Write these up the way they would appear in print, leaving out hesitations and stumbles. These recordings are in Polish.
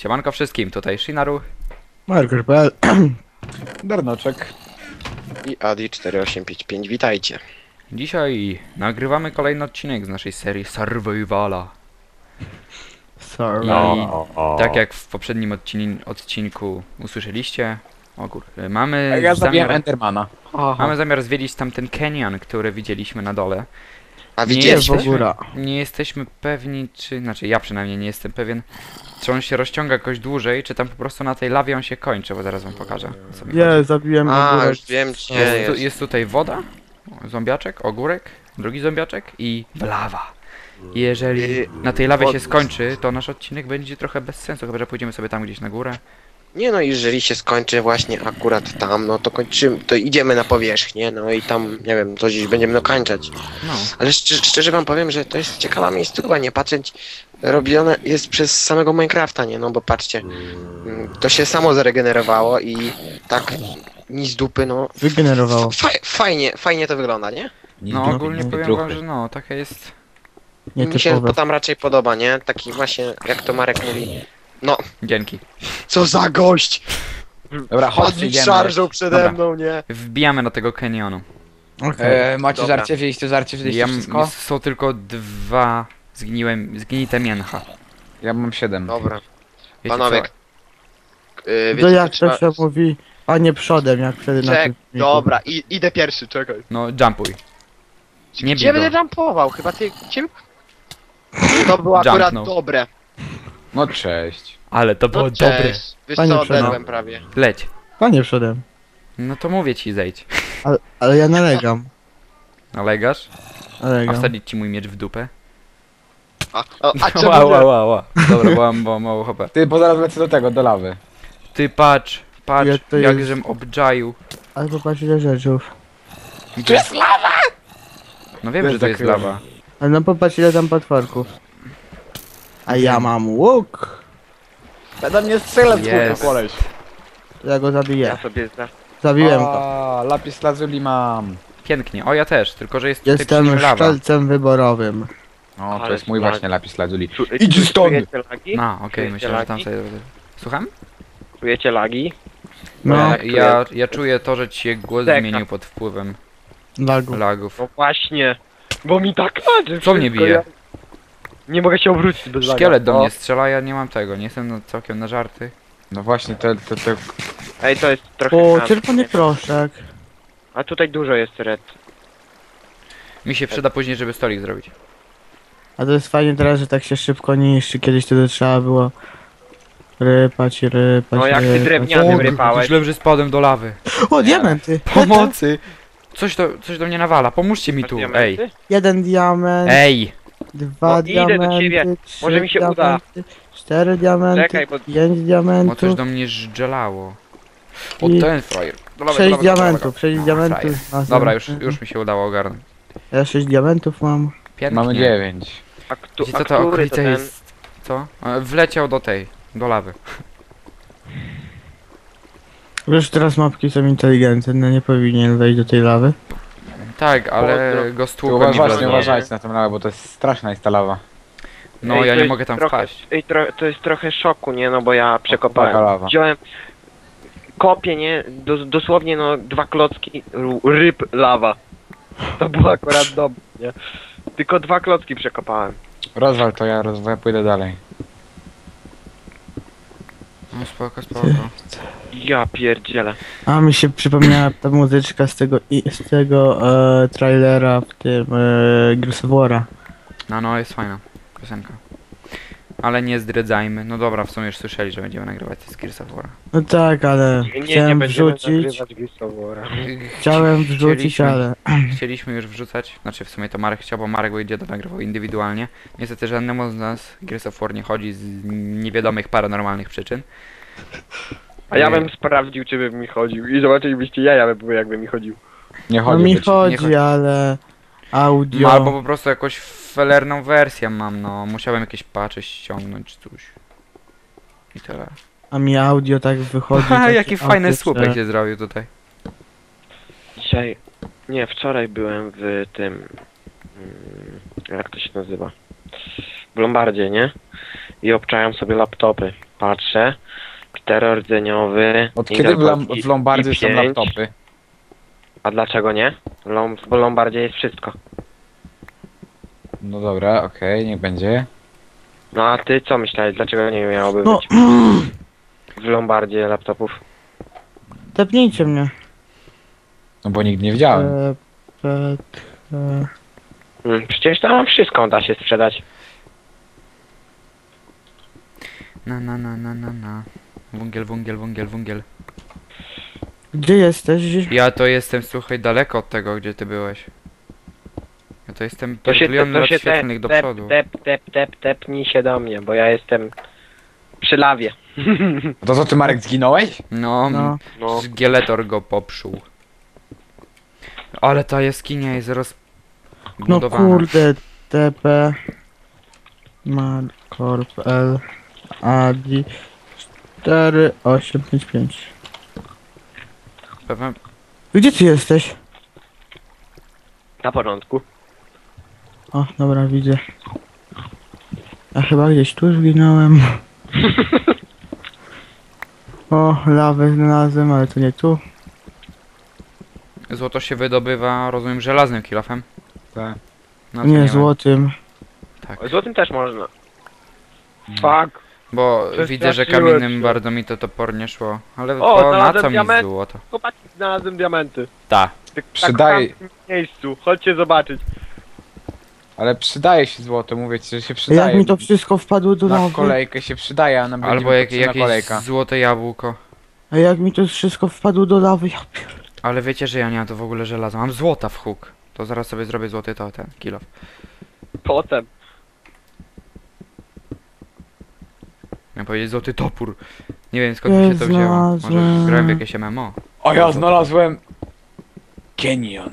Siemanko wszystkim, tutaj Shinaru. Marker.pl Darnoczek. I Adi4855, witajcie. Dzisiaj nagrywamy kolejny odcinek z naszej serii Survivala. Sorry. Tak jak w poprzednim odcinku usłyszeliście, mamy Ja zabiłem zamiar, Endermana. mamy zamiar zwiedzić tamten canyon, który widzieliśmy na dole. A Nie widzieliście? jest w góra. Nie jesteśmy pewni, znaczy ja przynajmniej nie jestem pewien, czy on się rozciąga jakoś dłużej, czy tam po prostu na tej lawie on się kończy, bo zaraz wam pokażę, o co mi chodzi. Nie, zabiłem A, ogórek. już wiem gdzie Jest, jest. jest tutaj woda, zombiaczek, ogórek, drugi zombiaczek i lawa. Jeżeli na tej lawie się skończy, to nasz odcinek będzie trochę bez sensu, chyba że pójdziemy sobie tam gdzieś na górę. Nie no, jeżeli się skończy właśnie akurat tam, no to kończymy, to idziemy na powierzchnię, no i tam, nie wiem, to gdzieś będziemy dokańczać. No, Ale szczerze wam powiem, że to jest ciekawa miejscowa, nie patrzeć, robione jest przez samego Minecrafta, nie, no bo patrzcie, to się samo zaregenerowało i tak ni z dupy, no, Wygenerowało. fajnie to wygląda, nie? no ogólnie powiem wam, że no, taka jest... Mi się Nietypowe. to tam raczej podoba, nie? Taki właśnie, jak to Marek mówi, no, Dzięki. co za gość! Dobra, chodźcie, Chodź idziemy. szarżą przede Dobra. mną, nie? Wbijamy do tego canyonu. Okej. Macie Dobra. żarcie? Wzięliście żarcie? Wzięliście wszystko? Są tylko dwa zgnite mięcha. Ja mam 7. Dobra, Wiecie panowie, co? To wiecie, jak trzeba... to się mówi, a nie przodem, jak wtedy na tym filmiku. Dobra, idę pierwszy, czekaj. No, jumpuj. Nie Gdzie bij będę go. jumpował? Chyba ty... Czym? To było akurat Jumpnął. dobre. No cześć. Ale to było No dobre. cześć. Wiesz Panie co, Przemo. odedłem prawie. Leć. Panie przodem. No to mówię ci, zejdź. Ale ja nalegam. Nalegasz? A Nalegam. wsadzić ci mój miecz w dupę? A czemu Ła, nie? ła, ła. Dobra, bo mam mało HP. Ty, bo zaraz lecę do tego, do lawy. Ty patrz, Ja to jest- jakżem obczaił. Ale popatrz ile rzeczów. Tu jest lawa! No wiem, Jest że to jest zakryłem. lawa. Ale no popatrz ile tam potworków. A ja mam łuk. Będę mnie strzelać, Jest. kurwa, koleś. Ja go zabiję. Ja sobie Zabiłem go. A, lapis lazuli mam. Pięknie. O, ja też, tylko że jest tutaj przy Jestem nim lawa. szczelcem wyborowym. No, to Ale jest mój slag. właśnie lapis lazuli. Czujecie Idź stąd! lagi? No, okej, Czujecie myślałem, że tam lagi? sobie... Słucham? Czujecie lagi? No, Tak, Ja czuję to, że ci się głos Deka. zmienił pod wpływem lagu. lagów. No właśnie. Bo mi tak leży Co mnie wszystko, bije? ja nie mogę się obrócić bez laga. Szkielet do O, mnie strzela, ja nie mam tego, nie jestem całkiem na żarty. No właśnie, to... Ej, to jest trochę... O, tam, czerwony nie? proszek. A tutaj dużo jest red. Mi się przyda później, żeby stolik zrobić. A to jest fajnie teraz, że tak się szybko niszczy. Kiedyś to trzeba było rypać, rypać, No jak ty rypać. drewnianym rypałeś. Myślałem, że spadłem do lawy. O, diamenty! Pomocy! Coś do mnie nawala, pomóżcie mi Masz tu, diamenty? ej. Jeden diament, Ej! dwa No, idę do diamenty, ciebie. trzy Może mi się uda. diamenty, cztery diamenty, Czekaj, bo- pięć Bo coś diamentów, do mnie żdżelało. O, I- ten frajer. Do lawy, sześć do lawy, do lawy. diamentów, sześć diamentów. Frajer. następny. Dobra, już mi się udało ogarnąć. Ja 6 diamentów mam. Pięknie. Mamy 9. A, Wiecie co to który to okolice ten? jest? Co? Wleciał do lawy. Wiesz, teraz mapki są inteligentne, nie powinien wejść do tej lawy. Tak, ale Pozdro. go Tu stłukłem i właśnie wlazłem. uważajcie na tą lawę, bo to jest straszna jest ta lawa. No, Ej, ja to nie jest mogę tam trochę- wpaść. Ej, to jest trochę szoku, nie? No bo ja taka przekopałem. lawa. Wziąłem... Kopię, nie? Dosłownie, no, 2 klocki ryb lawa. To było akurat dobre, nie? Tylko 2 klocki przekopałem. Rozwal to, ja pójdę dalej. No spoko, spoko. Ja pierdzielę. A mi się przypomniała ta muzyczka z tego trailera w tym Gears of War'a. No, jest fajna piosenka. Ale nie zdradzajmy. No dobra, w sumie już słyszeli, że będziemy nagrywać z Gears of War. No tak, ale chciałem wrzucić, chciałem wrzucić, ale Chcieliśmy już wrzucać, znaczy w sumie to Marek chciał, bo Marek będzie to nagrywał indywidualnie. Niestety żadnemu z nas Gears of War nie chodzi z niewiadomych paranormalnych przyczyn. A ja bym sprawdził, czy by mi chodził. I zobaczylibyście jaja, by jakby mi chodził. Nie no chodzi mi do ciebie. chodzi, chodzi. ale No, audio, albo po prostu jakąś felerną wersję mam, no. Musiałem jakieś patche ściągnąć, coś. I tyle. a mi audio tak wychodzi. Ha, takie jaki fajny autyczne. słupek się zrobił tutaj. Dzisiaj... Nie, wczoraj byłem w tym... jak to się nazywa? W Lombardzie, nie? I obczałem sobie laptopy. Patrzę. 4-rdzeniowy. Od kiedy w Lombardzie są i5. laptopy? A dlaczego nie? W Lombardzie jest wszystko. No dobra, okej, niech będzie. No a ty co myślałeś? Dlaczego nie miałoby No, być w Lombardzie laptopów? tepnijcie mnie. No bo nigdy nie widziałem. Przecież tam wszystko da się sprzedać. Na. Węgiel, węgiel, węgiel, węgiel. Gdzie jesteś? Ja to jestem, słuchaj, daleko od tego, gdzie ty byłeś. Ja to jestem To się, milion to lat się świetlnych do przodu. tepnij się do mnie, bo ja jestem przy lawie. To co, ty Marek zginąłeś? No, No. No. Szkieletor go popsuł. Ale ta jaskinia jest No rozbudowana. kurde, TP Markorp L Adi 4855. Pewnie... Gdzie ty jesteś? Na porządku. O, dobra, widzę. Ja chyba gdzieś tu zginąłem. O, lawę znalazłem, ale to nie tu. Złoto się wydobywa, rozumiem, żelaznym kilofem. Tak. No, Nie, wiem. złotym. Tak. Złotym też można. Fuck. Bo Przestraszyłeś widzę, że kamiennym się. bardzo mi to topornie szło. Ale O, to na znalazłem co mi diament. złoto? Chłopaki, znalazłem diamenty. Ta. Przydaje- Tak w tamtym miejscu. Chodźcie zobaczyć. Ale przydaje się złoto, mówię ci, że się Jak przydaje. mi to wszystko wpadło do Na lawy? kolejkę się przydaje, a na Albo jak, potrzebna jakieś kolejka. złote jabłko. A jak mi to wszystko wpadło do lawy? Ja pier... Ale wiecie, że ja nie mam to w ogóle żelaza. Mam złota w huk. To zaraz sobie zrobię złoty to ten kilof. Potem. Miałem powiedzieć złoty topór. Nie wiem skąd mi się to wzięło. Może Znalazłem. grałem w jakieś MMO. O, ja znalazłem... Canyon.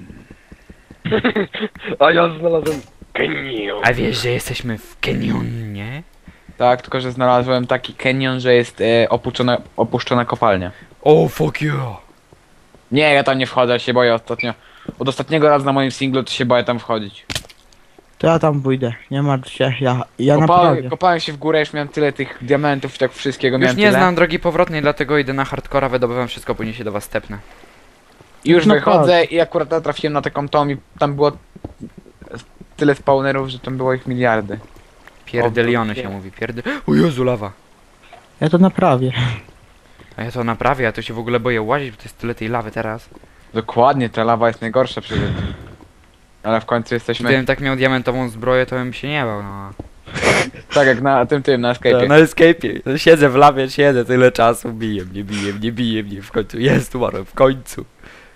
A ja znalazłem genium. A wiesz, że jesteśmy w Kenionie? Tak, tylko że znalazłem taki canyon, że jest opuszczona kopalnia. Oh fuck yeah! Nie, ja tam nie wchodzę, ja się boję ostatnio. Od ostatniego razu na moim singlu to się boję tam wchodzić. To ja tam pójdę, nie martw się, ja naprawię. Kopałem się w górę, już miałem tyle tych diamentów i tak wszystkiego Już miałem nie tyle. znam drogi powrotnej, dlatego idę na hardcora, wydobywam wszystko, później się do was stepnę. I już No wychodzę i akurat trafiłem na taką tom i tam było tyle spawnerów, że tam było ich miliardy. Pierdeliony się mówi, O Jezu, lawa! Ja to naprawię. A ja to naprawię, ja to się w ogóle boję łazić, bo to jest tyle tej lawy teraz. Dokładnie, ta lawa jest najgorsza przecież. Ale w końcu jesteśmy... Gdybym tak miał diamentową zbroję, to bym się nie bał, no. Tak jak na tym, na escape'ie. Na escape'ie. No, siedzę w lawie, siedzę tyle czasu, bije mnie, w końcu jest, umarłem, w końcu.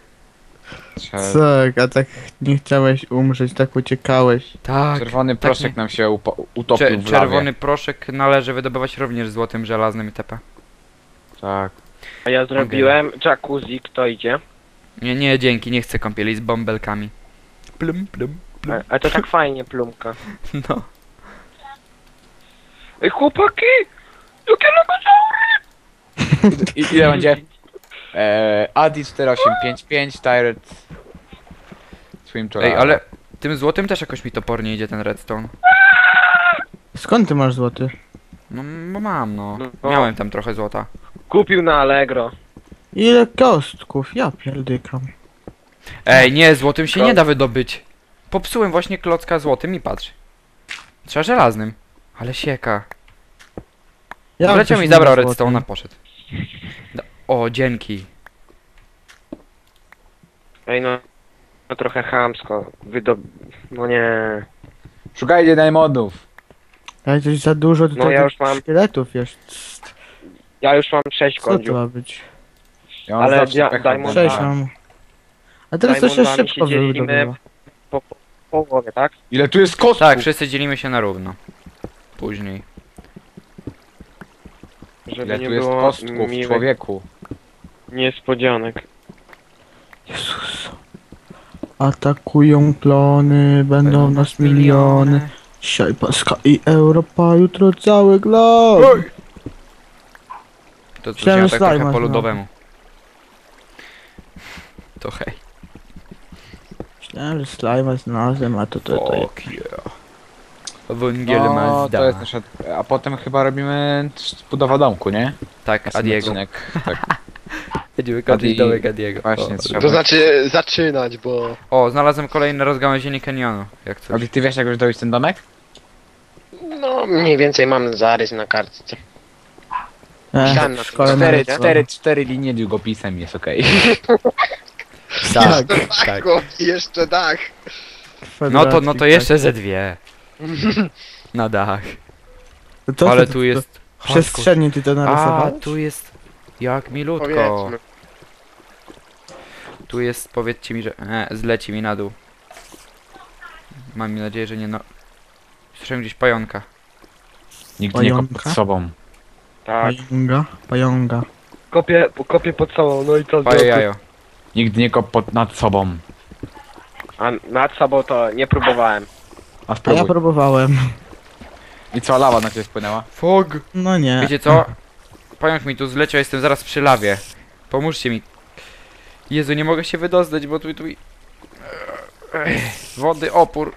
Tak, a tak nie chciałeś umrzeć, tak uciekałeś. Tak. Czerwony tak proszek nie- nam się utopił w lawie. Czerwony proszek należy wydobywać również złotym, żelaznym itp. Tak. A ja zrobiłem jacuzzi, kto idzie? Nie, dzięki, nie chcę kąpieli z bąbelkami. Plum. A to tak fajnie, plumka. No. Ej, chłopaki! Jakie logosaury! I ile będzie? Adi 4855, Tyrant Swim to Ej, lava. ale tym złotym też jakoś mi topornie idzie ten redstone. Skąd ty masz złoty? No, bo mam, no. No. Miałem tam trochę złota. Kupił na Allegro. Ile kostków? Ja pierdykam. Ej, nie, złotym się nie da wydobyć. Popsułem właśnie klocka złotym i patrz. Trzeba żelaznym. Ale sieka. Ja Wleciał też mi nie zabrał mam redstone'a, złotych. poszedł. O, dzięki. Ej, no trochę chamsko. No nie. Szukajcie najmodów. Ale coś za dużo No tutaj ja już mam- szkieletów jest. Ja już mam 6 Co to kądziów. ma być? Ja mam Ale zawsze pecha Diamond- od Cześć Boga. mam. A teraz to się Diamondami szybko się dzielimy. wydobywa. Po połowie, tak? Ile tu jest kostków? Tak, wszyscy dzielimy się na równo. Później. Żeby Ile nie tu jest było kostków, miłych człowieku? niespodzianek. Jezus. Atakują klony, będą nas miliony. Dzisiaj Paska i Europa, jutro cały glob. To Myślałem, ja że tak trochę slajma po znowu. ludowemu. To hej. Myślałem, że slajma znalazłem, a to jest. Fuck yeah. Węgiel No, Mazda. to jest nasza... A potem chyba robimy budowa domku, nie? Tak, Następny Adiego. odcinek. Tak. Będziemy kończyć Adi- domek Adiego. Właśnie, O, trzeba. To znaczy zaczynać, bo... O, znalazłem kolejne rozgałęzienie kanionu. Jak coś. Adi, ty wiesz jak już dojść ten domek? No, mniej więcej mam zarys na kartce. Myślałem na w szkole tym. nawet Cztery linie długopisem jest okej. Tak, Tak, tak. i jeszcze dach. No to jeszcze ze dwie. Na dach. To Ale tu jest... Przestrzennie ty to A, narysowałeś? tu jest... Jak milutko. Powiedzmy. Tu jest, powiedzcie mi, że... zleci mi na dół. Mam nadzieję, że nie no... Słyszałem gdzieś pająka. Nikt nie kop Pająka? pod sobą. Tak. Pająga. Kopię pod sobą, no i co? Paje jajo. Nikt nie kop nad sobą. A nad sobą to nie próbowałem. A A ja spróbuj. próbowałem. I co, lawa na ciebie wpłynęła? Fog! No nie. Wiecie co? Pająk mi tu zleciał, jestem zaraz przy lawie. Pomóżcie mi. Jezu, nie mogę się wydostać, bo tu... Wody, opór.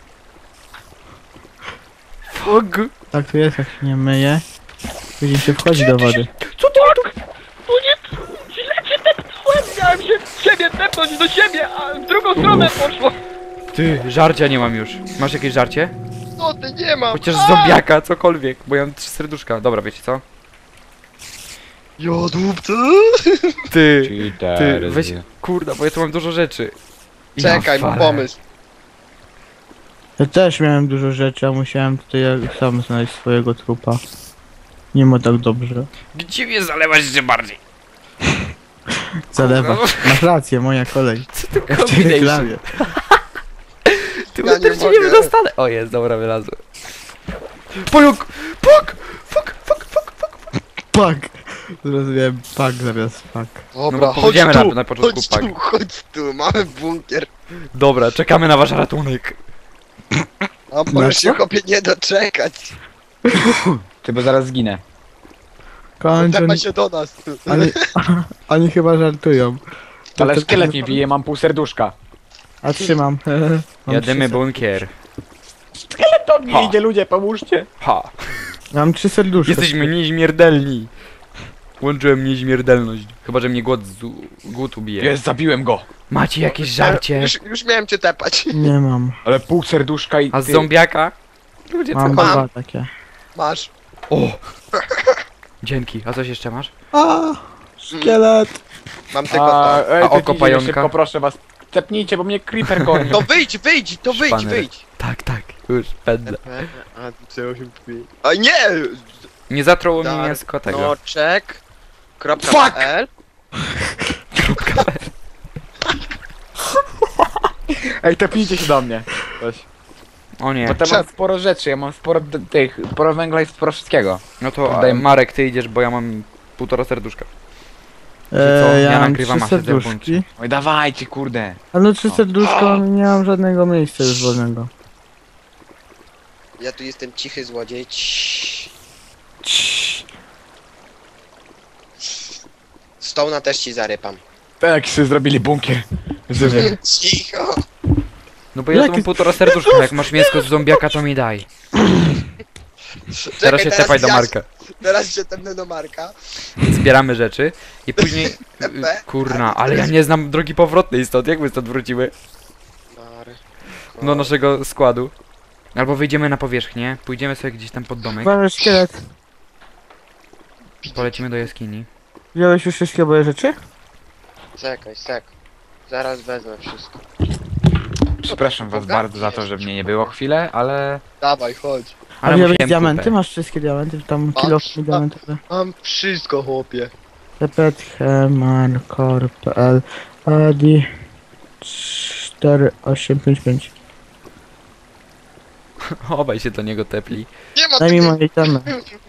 Fog! Tak tu jest, jak się nie myje. Później się wchodzi do wody. Co ty tu? No nie, źle cię tepnąłem, miałem się w siebie tepnąć do siebie, a w drugą stronę poszło. Ty, żarcia nie mam już. Masz jakieś żarcie? No ty nie mam. Chociaż zombiaka, cokolwiek, bo ja mam 3 serduszka. Dobra, wiecie co? Jodłupcy. Ty, Cheater. weź, kurda, bo ja tu mam dużo rzeczy. Czekaj, Ja mam walę. pomysł. Ja też miałem dużo rzeczy, a musiałem tutaj sam znaleźć swojego trupa. Nie ma tak dobrze. Gdzie mnie zalewać jeszcze bardziej? Zalewa. Masz rację, moja kolej. Ja w tej reklamie. Ty Ja nie też się nie mogę. wydostanę. O jest, dobra, wylazłem. Pająk! Puk! Fuk, fuk, fuk, fuk. Pak! Zrozumiałem pak zamiast pak. Dobra, No bo chodź powiedziałem tu, na początku chodź pak. tu, chodź tu, mamy bunkier. Dobra, czekamy na wasz ratunek. A możesz się chłopie nie doczekać. Ty, bo zaraz zginę. Kończę. Tepaj się do nas. Oni chyba żartują. Ale to- szkielet mnie bije, mam pół serduszka. A trzymam. Mam Jadymy 3 bunkier. To mnie Ha. idzie, ludzie, pomóżcie. Ha! Mam 3 serduszka. Jesteśmy nieśmiertelni. Łączyłem nieśmiertelność. Chyba, że mnie głód ubije. Jest, zabiłem go. Macie jakieś żarcie? Już miałem cię tepać. Nie mam. Ale pół serduszka i A z ty... zombiaka? Ludzie, co Mam mam? dwa takie. Masz. O! Dzięki. A coś jeszcze masz? A, szkielet. Mam tylko to. ej, A ty oko idzie, pająka? Szybko, proszę was. Cepnijcie, bo mnie creeper goni. To wyjdź, to wyjdź, Szpaner. wyjdź. Tak, tak. Już pędzę. A, C8. A nie! Nie zatruło mnie Dar- mięsko tego. Noczek. Fuck! .pl. Ej, tepnijcie się do mnie. Weź. O nie. Bo tam mam sporo rzeczy, ja mam sporo tych, sporo węgla i sporo wszystkiego. No to Daj- Marek, ty idziesz, bo ja mam 1,5 serduszka. co? Ja Ja mam nagrywam, 3 a siedzę w serduszki. Oj, dawajcie, kurde. Ale no 3 serduszka, nie mam żadnego miejsca już wolnego. Ja tu jestem cichy złodziej. Ciii. Stołna też ci zarypam. Tak, sobie zrobili bunkier. Żywy. Cicho. No bo ja tu Jaki- mam 1,5 serduszka, jak masz mięsko z zombiaka, to mi daj. Teraz się tepaj do Marka. Teraz się tepnę do Marka. Zbieramy rzeczy i później... Tepe. Kurna, ale ja nie znam drogi powrotnej stąd, jak my stąd wrócimy? Do naszego składu. Albo wyjdziemy na powierzchnię, pójdziemy sobie gdzieś tam pod domek, Mamy szkielet. polecimy do jaskini. Wziąłeś już wszystkie moje rzeczy? Czekaj, sek. Zaraz wezmę wszystko. Przepraszam was bardzo za to, że mnie nie było chwilę, ale... Dawaj, chodź. A Ale wziąłeś musiałem diamenty? kupę. Masz wszystkie diamenty? Tam Patrz, kilo diamentowe. Mam wszystko, chłopie. Repetchemarkor.pl Adi 4855. Obaj się do niego tepli. Nie ma Daj mi takiej... moje itemy.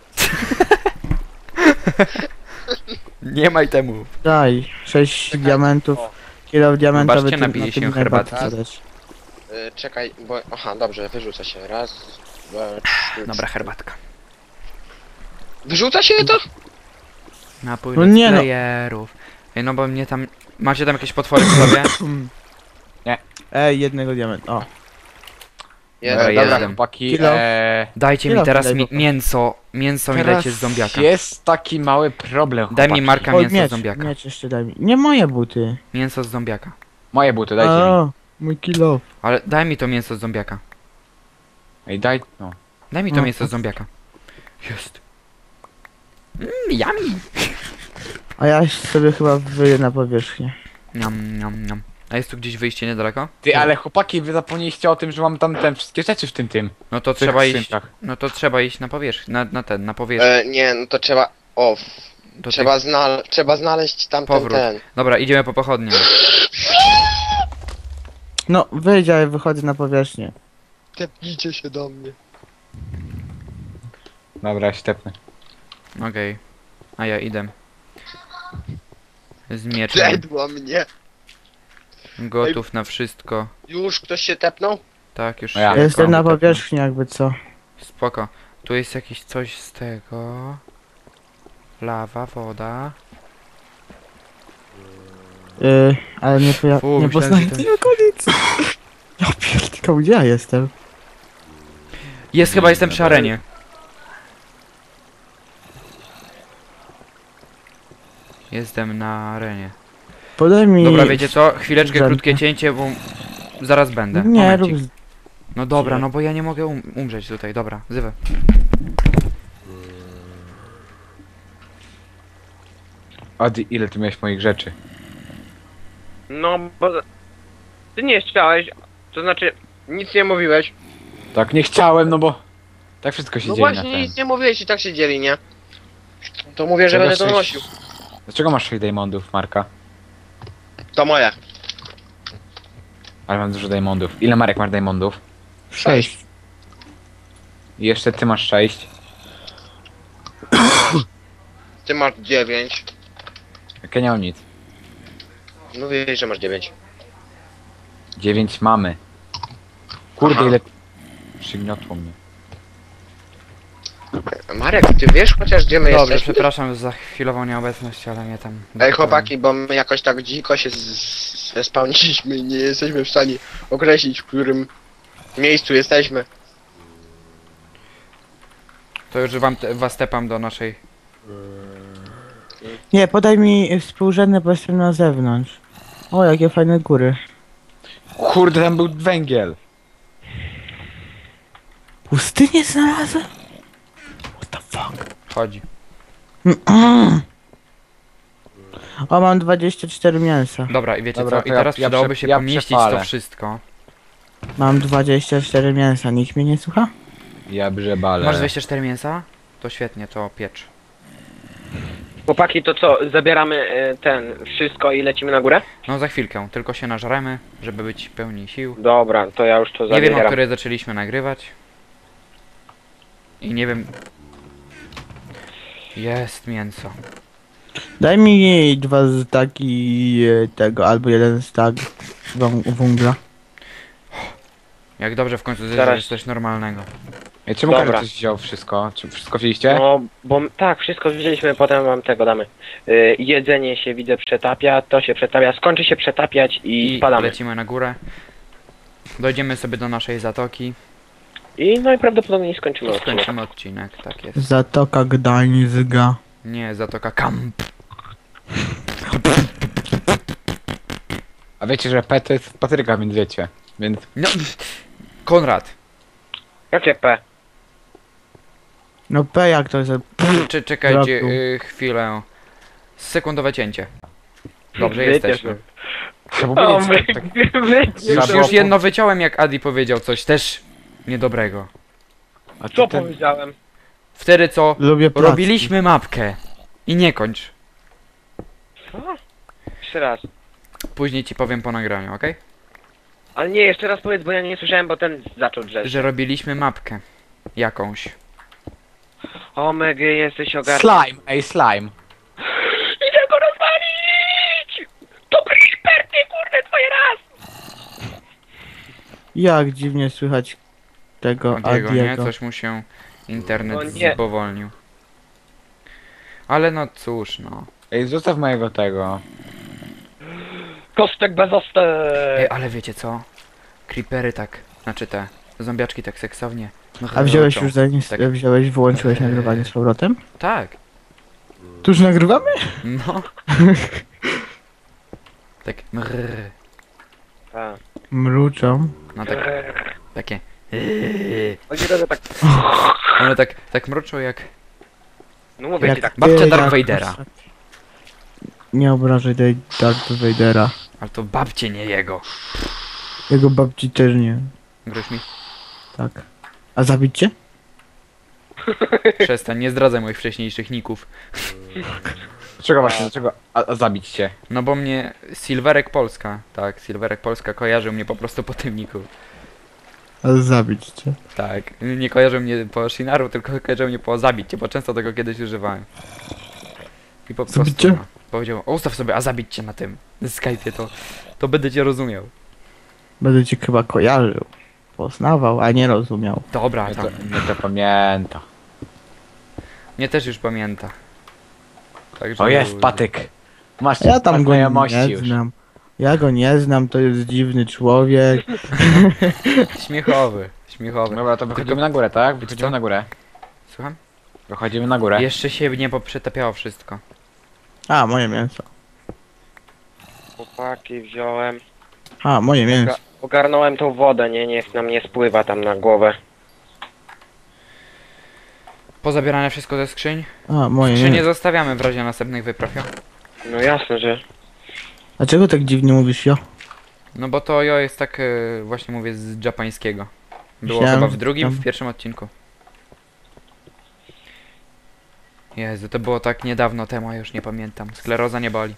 Nie maj temu. Daj 6 diamentów. Kilo diamentowy. Zobaczcie, tym- napili na się tym herbaty. najbardziej zależy. Czekaj, bo... Aha, dobrze, wyrzuca się. Raz, dwa, trzy. Dobra, herbatka. Wyrzuca się to? Napój No no nie no. playerów. Ej, no bo mnie tam... Macie tam jakieś potwory w sobie? Ej, jednego diamentu. O. Dobra, Dobra, jestem. chłopaki, Kilo. Dajcie mi Kilo teraz daj, bo- mięso. Mięso mi teraz dajcie z zombiaka. jest taki mały problem, Daj mi chłopaki. Marka O, mięso z miecz, zombiaka. miecz jeszcze daj mi. Nie moje buty. Mięso z zombiaka. Moje buty, dajcie mi. O, mój kilo. Ale daj mi to mięso z zombiaka. Ej, daj, no. Daj mi to No. mięso z zombiaka. Jest. Yummy. A ja sobie chyba wyję na powierzchnię. Niam, niam, niam. A jest tu gdzieś wyjście niedaleko? Ty, ale chłopaki, wy zapomnieliście o tym, że mam tam te wszystkie rzeczy w tym. No to w tych trzeba iść. skrzynkach. No to trzeba iść na powierzchnię. Na powierzchnię. Nie, no to trzeba... O, Do trzeba znaleźć tamten Powrót. ten. Dobra, idziemy po pochodnię. No, wyjdź, ale wychodzę na powierzchnię. Tepnijcie się do mnie. Dobra, ja się tepnę. Okej. A ja idę. Z mieczem. Zedła mnie. Gotów na wszystko. Już ktoś się tepnął? Tak, już No ja. się Jestem na komu tepnę. powierzchni jakby co. Spoko. Tu jest jakieś coś z tego. Lawa, woda. Ale nie, Fu, nie myślałem, poznaję że to- tej okolicy. Ja pierdolę, gdzie ja jestem? Jest, chyba jestem przy arenie. Jestem na arenie. Podaj mi... Dobra, wiecie co? Chwileczkę, Drzemkę. krótkie cięcie, bo zaraz będę. Nie, Momencik. rób... No dobra, no bo ja nie mogę umrzeć tutaj. Dobra, zywę. Adi, ile ty miałeś moich rzeczy? No, bo... Ty nie chciałeś, to znaczy... Nic nie mówiłeś. Tak, nie chciałem, no bo... Tak wszystko się No dzieje na właśnie, ten. nic nie mówiłeś i tak się dzieli, nie? To mówię, że Czego będę to sześć- nosił. Dlaczego masz 6 diamondów, Marka? To moje. Ale mam dużo diamondów. Ile, Marek, masz diamondów? 6. I jeszcze ty masz 6. Ty masz 9. Jak ja nie mam nic. Mówiłeś, że masz 9. 9 mamy. Kurde, Aha. ile... Przygniotło mnie. Marek, ty wiesz chociaż gdzie my Dobrze, jesteśmy? przepraszam za chwilową nieobecność, ale mnie tam... Ej chłopaki, bo my jakoś tak dziko się zespałniliśmy i nie jesteśmy w stanie określić, w którym miejscu jesteśmy. To już was tepam do naszej... Nie, podaj mi współrzędne, bo jestem na zewnątrz. O, jakie fajne góry. Kurde, tam był węgiel. Pustynię znalazłem? What the fuck? Chodzi. O, mam 24 mięsa. Dobra, i wiecie Dobra, co? to I ja- teraz ja przydałoby prze- się ja pomieścić przepalę. to wszystko. Mam 24 mięsa, nikt mnie nie słucha? Ja brzebale. Masz 24 mięsa? To świetnie, to piecz. Chłopaki, to co, zabieramy wszystko i lecimy na górę? No za chwilkę, tylko się nażremy, żeby być pełni sił. Dobra, to ja już to Nie wiem, o zabieram. której zaczęliśmy nagrywać. I nie wiem... Jest mięso. Daj mi 2 staki tego, albo 1 stak węgla. Jak dobrze w końcu Zaraz. zjeść coś normalnego. Ej, czemu Dobra. każdy coś wziął wszystko? Czy wszystko wzięliście? No, bo tak, wszystko wzięliśmy, potem wam tego damy. Jedzenie się widzę przetapia, to się przetapia, skończy się przetapiać i I spadamy. lecimy na górę. Dojdziemy sobie do naszej zatoki. I najprawdopodobniej skończymy odcinek. Skończymy odcinek, tak jest. Zatoka Gdańska. Nie, zatoka Kamp. A wiecie, że P to jest Patryka, więc wiecie. Więc No, Konrad, Jakie P? No P jak to jest? czekajcie Braku. chwilę. Sekundowe cięcie. Dobrze, Wyciesz jesteśmy. trzeba O, powiedzieć, my, tak, Już, Trzeba już było- jedno wyciąłem, jak Adi powiedział coś też niedobrego. a ty co ten, powiedziałem? Wtedy co? Lubię placki. Robiliśmy mapkę. I nie kończ. Co? Jeszcze raz. Później ci powiem po nagraniu, okej? Ale nie, jeszcze raz powiedz, bo ja nie słyszałem, bo ten zaczął drzeć. Że robiliśmy mapkę. Jakąś. O, Megi, jesteś ogarnięty. Slime, ej slime. Idę go rozwalić! To creeper, ty kurde, twoje raz! Jak dziwnie słychać tego Adiego, nie? Adiego. Coś mu się internet O nie. spowolnił. Ale no cóż, no. Ej, zostaw mojego tego. Kostek bez ostek! Ej, ale wiecie co? Creepery tak, znaczy te zombiaczki tak seksownie. A wziąłeś mruczą. już zanim Tak. wyłączyłeś nagrywanie z powrotem? Tak, Tu już nagrywamy? no. Tak mrrr. A. Mruczą. No tak, takie. Chodzi o to, że tak, One tak mruczą jak... no mówię ci tak, Babcia ty, Darth jak Vadera. postać. Nie obrażaj tej Darth Vadera. Ale to babcie, nie jego. Jego babci też nie. Groź mi? Tak. A zabić cię? Przestań, nie zdradzaj moich wcześniejszych ników. Dlaczego właśnie, dlaczego a zabić cię? No bo mnie Silverek Polska, tak, Silverek Polska kojarzył mnie po prostu po tym niku. A zabić cię. Tak, nie kojarzył mnie po Shinaru, tylko kojarzył mnie po zabić cię, bo często tego kiedyś używałem. I po prostu Zabić cię? no, powiedział, ustaw sobie, a zabić cię na tym Skype'ie, to będę cię rozumiał. Będę cię chyba kojarzył. Poznawał, a nie rozumiał. Dobra, Mnie tam, to pamięta. mnie też już pamięta. Także O jest, patyk. Masz Ja tam go znajomości nie już. znam. Ja go nie znam, to jest dziwny człowiek. Śmiechowy, śmiechowy. Dobra, to wychodzimy na górę, tak? co? Wychodzimy na górę. Słucham? Wychodzimy na górę. Jeszcze się nie poprzetapiało wszystko. A, moje mięso. chłopaki wziąłem, A, moje mięso. ogarnąłem tą wodę, nie, niech nam nie spływa tam na głowę. Pozabierane wszystko ze skrzyń? A, moje Skrzynie mięso. zostawiamy w razie następnych wypraw, jo? No jasne, że... Dlaczego tak dziwnie mówisz, jo? No bo to jo jest tak, właśnie mówię, z japońskiego. Było Myślałem, chyba w że drugim, tam- w pierwszym odcinku. Jezu, to było tak niedawno temu, a już nie pamiętam. Skleroza nie boli.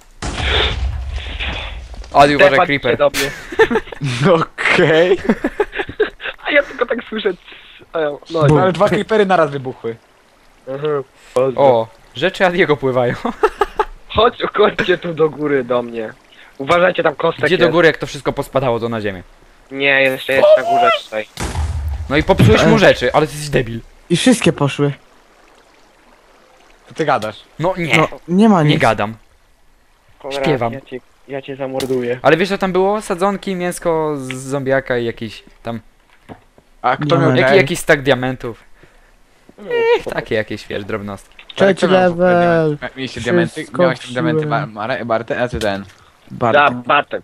Adi, uważaj, Stefan creeper. do mnie. Okej. A ja tylko tak słyszę... No, Bum. Ale dwa creepery naraz wybuchły. O, rzeczy Adiego pływają. Chodźcie tu do góry do mnie. Uważajcie, tam kostek Gdzie do jest. góry, jak to wszystko pospadało, to na ziemię. Nie, jeszcze jest na górze tutaj. No i popsułeś mu rzeczy, ale ty jesteś debil. I wszystkie poszły. Co ty gadasz? No nie, No, nie ma nie nic. gadam. Konrad, Śpiewam. Ja cię zamorduję. Ale wiesz co tam było? Sadzonki, mięsko z zombiaka i jakiś tam... A kto Nie miał ma. Jakiś stack diamentów. Takie jakieś, wiesz, drobnostki. Trzeci level. Mieliście diamenty? Wszystko Miałeś tam diamenty wziąłem. Barty, a ty ten. Da, Bartek. Bartek.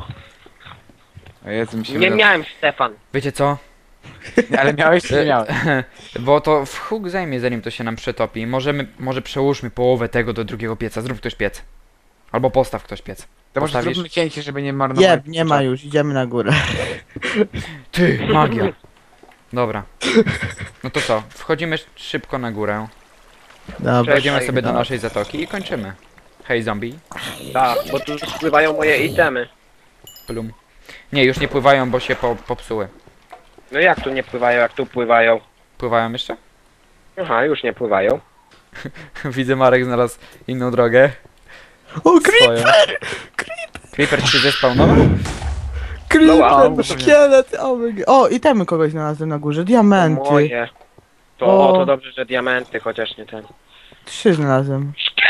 O Jezu, mi się Nie wydało- miałem, Stefan. Wiecie co? Ale miałeś czy nie miałeś? Bo to w huk zajmie, zanim to się nam przetopi. Może przełóżmy połowę tego do drugiego pieca. Zrób ktoś piec. Albo postaw ktoś piec. To może Postawisz? zróbmy cięcie, żeby nie marnować. Jeb, nie ma już, idziemy na górę. Ty, magia. Dobra. No to co? Wchodzimy szybko na górę. Dobra. Wejdziemy sobie do dobra. naszej zatoki i kończymy. Hej zombie. Da, bo tu spływają moje itemy. Plum. Nie, już nie pływają, bo się popsuły. No jak tu nie pływają, jak tu pływają? Pływają jeszcze? Aha, już nie pływają. Widzę, Marek znalazł inną drogę. O, Swoją. Creeper ci się zespawnował? creeper, wow. szkielet, o, itemy kogoś znalazłem na górze, diamenty. Moje. O. To dobrze, że diamenty, chociaż nie ten. 3 znalazłem.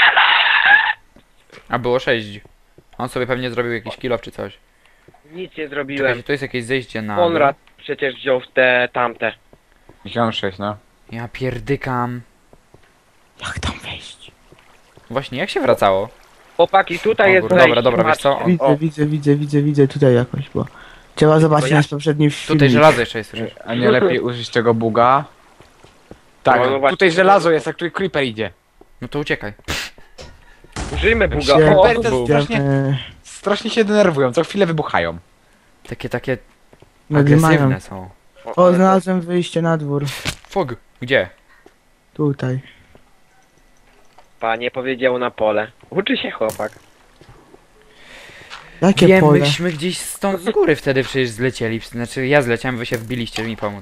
A było 6. On sobie pewnie zrobił jakiś kill czy coś. Nic nie zrobiłem. Czekajcie, to jest jakieś zejście na... Konrad przecież wziął te tamte. Wziąłem 6, no. Ja pierdykam. Jak tam wejść? Właśnie, jak się wracało? Chłopaki, tutaj O, jest dobra, wejście, dobra, wiesz co? patrzcie. Widzę, tutaj jakoś, bo... Trzeba zobaczyć ja- nasz poprzedni film. Tutaj żelazo jeszcze jest, słyszysz? A nie lepiej użyć tego buga? Tak, No, no właśnie. tutaj żelazo jest, jak tutaj creeper idzie. No to uciekaj. Użyjmy buga. Się- O, Creepery to Bum. strasznie, Idziemy. strasznie się denerwują, co chwilę wybuchają. Takie Nadymają. agresywne są. O, znalazłem wyjście na dwór. Fug, gdzie? Tutaj. Panie powiedział na pole. Uczy się chłopak. Jakie Wiem, pole? myśmy gdzieś stąd z góry wtedy przecież zlecieli. Znaczy ja zleciałem, wy się wbiliście, żeby mi pomóc.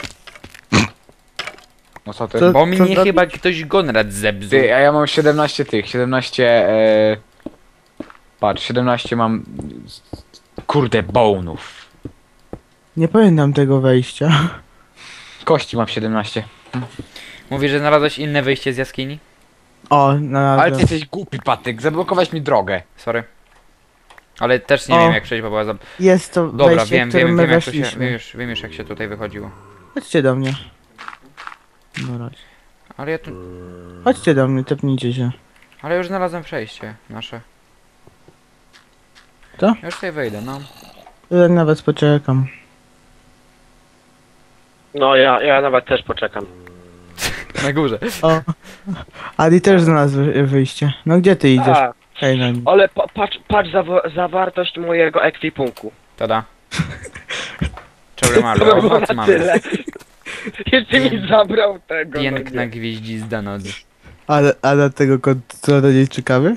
No co ty? Co? Bo mnie zrobić? chyba ktoś Gonrad zepsuł. Ty, a ja mam 17 tych, 17... Patrz, 17 mam... Kurde, bonów. Nie pamiętam tego wejścia. Kości mam 17. Mówisz, że znalazłeś inne wyjście z jaskini? O, Ale ty znalazłem. jesteś głupi, Patyk, zablokowałeś mi drogę. Sorry. Ale też nie O. wiem jak przejść, bo była za... Jest to Dobra, wejście, wiem, którym wiem, my wiem, jak to się, weszliśmy. wiem już jak się tutaj wychodziło. Chodźcie do mnie. No raz. Ale ja tu... Chodźcie do mnie, tepnijcie się. Ale już znalazłem przejście nasze. Co? Ja już tutaj wejdę, no. Ja nawet poczekam. No ja nawet też poczekam. Na górze. O. Adi też znalazł wyjście. No gdzie ty idziesz? A, Hej, no nie. ale patrz zawartość mojego ekwipunku. Tada. Czory malu, To by było owoc na mamy. tyle. Jeszcze mi zabrał tego. no Piękna nie. gwieździzda noc. A dlatego co do niej czekamy?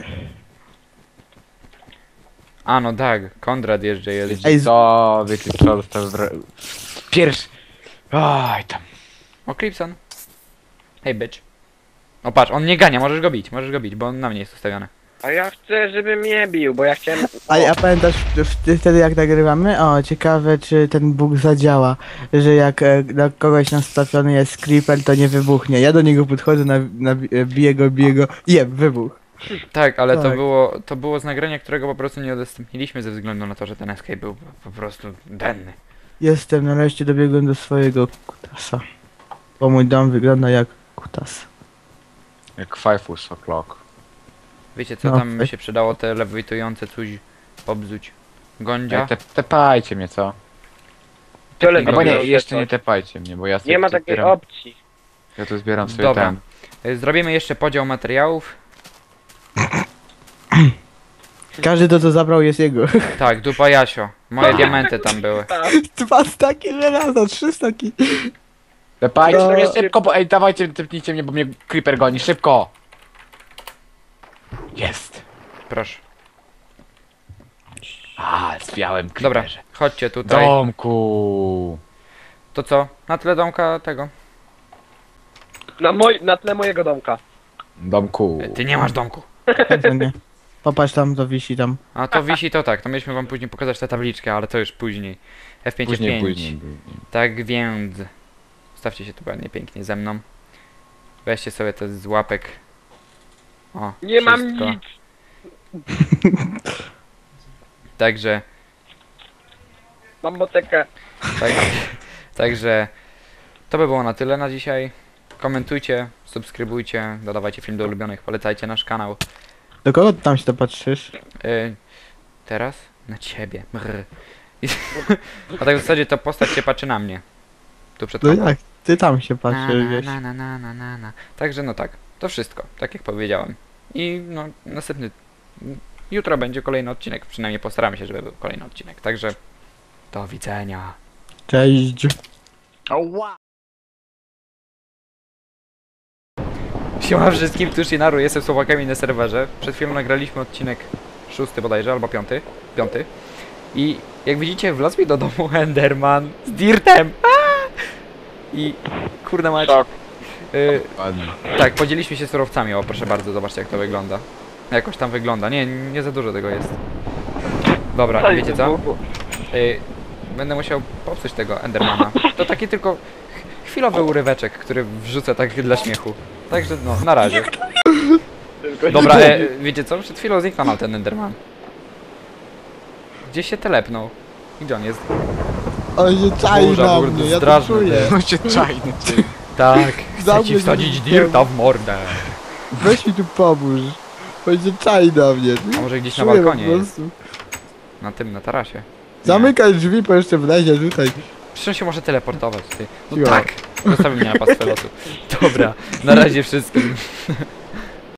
A no tak, Konrad jeszcze jest. Ej, Co, wiecie co, dostał pierwszy... Oj, tam. O, Clipson. Hej, bitch. O patrz, on nie gania, możesz go bić, bo on na mnie jest ustawiony. A ja chcę, żeby mnie bił, bo ja chciałem... a pamiętasz wtedy jak nagrywamy? O, ciekawe czy ten bóg zadziała. Że jak na kogoś nastawiony jest creeper, to nie wybuchnie. Ja do niego podchodzę, biję go, wybuch. Tak, ale Tak. to było z nagrania, którego po prostu nie udostępniliśmy ze względu na to, że ten escape był po prostu denny. Jestem, nareszcie dobiegłem do swojego kutasa. Bo mój dom wygląda jak kutas. Jak 5 o'clock. Wiecie co No, tam by tak. się przydało, te lewitujące coś pobzuć. Gondzia? Tepajcie mnie, co? Tyle Albo nie, zrobię, jeszcze to- nie tepajcie mnie, bo ja sobie Nie ma tu takiej zbieram, opcji. ja tu zbieram sobie Dobra. ten. Zrobimy jeszcze podział materiałów. Każdy to co zabrał jest jego. Tak, dupa Jasio. Moje diamenty tam były. 2 staki żelaza, 3 staki. Tepajcie No. mnie szybko, bo ej, dawajcie, tepnijcie mnie, bo mnie creeper goni, szybko! Jest! Proszę. A, zwiałem Dobra, creeperze. chodźcie tutaj. Domku! To co? Na tle domka tego. Na tle mojego domka. Domku. Ty nie masz domku. Pewnie nie. Popatrz tam, to wisi tam. A to wisi to tak, to mieliśmy wam później pokazać tę tabliczkę, ale to już później. F5, Później, F5. później. Tak więc... Stawcie się tu ładnie, pięknie ze mną. Weźcie sobie te z łapek. O, Nie mam wszystko. nic. Także... Mam motekę. Tak, także... To by było na tyle na dzisiaj. Komentujcie, subskrybujcie, dodawajcie film do ulubionych, polecajcie nasz kanał. Do kogo ty tam się to patrzysz? Teraz? Na ciebie. Brr. A tak w zasadzie to postać się patrzy na mnie. Tu przed No tobą. jak? Ty tam się patrzysz, wiesz. Na. Także no tak, to wszystko, tak jak powiedziałem. I no następny... Jutro będzie kolejny odcinek, przynajmniej postaramy się, żeby był kolejny odcinek. Także do widzenia. Cześć. Siema wszystkim, tu Shinaru, jestem Słowakami na serwerze. Przed chwilą nagraliśmy odcinek 6 bodajże, albo 5. I jak widzicie, wlazł mi do domu Enderman z Dirtem. I kurde mać. Szok. Ładnie. Tak, podzieliliśmy się surowcami, o proszę bardzo, zobaczcie jak to wygląda. Jakoś tam wygląda, nie za dużo tego jest. Dobra, wiecie co? Będę musiał popsuć tego Endermana. To taki tylko chwilowy uryweczek, który wrzucę tak dla śmiechu. Także no, na razie. Dobra, wiecie co? Przed chwilą zniknął nam ten Enderman. Gdzieś się telepnął. I gdzie on jest? On się czai Burza, na kurde, mnie, ja to straszny czuję. ty. No cię czajny, ty. Tak, chcę Zamknij ci wsadzić się. Dirta w mordę. Weź mi tu pomóż. On się czai na mnie. A może gdzieś na Czuję po balkonie jest? prostu. Na tym, na tarasie. Nie. Zamykaj drzwi, bo jeszcze wlezie tutaj. Przecież on się może teleportować, ty. No Jo. tak! Zostawił mnie na pastwę losu. Dobra, na razie wszystkim.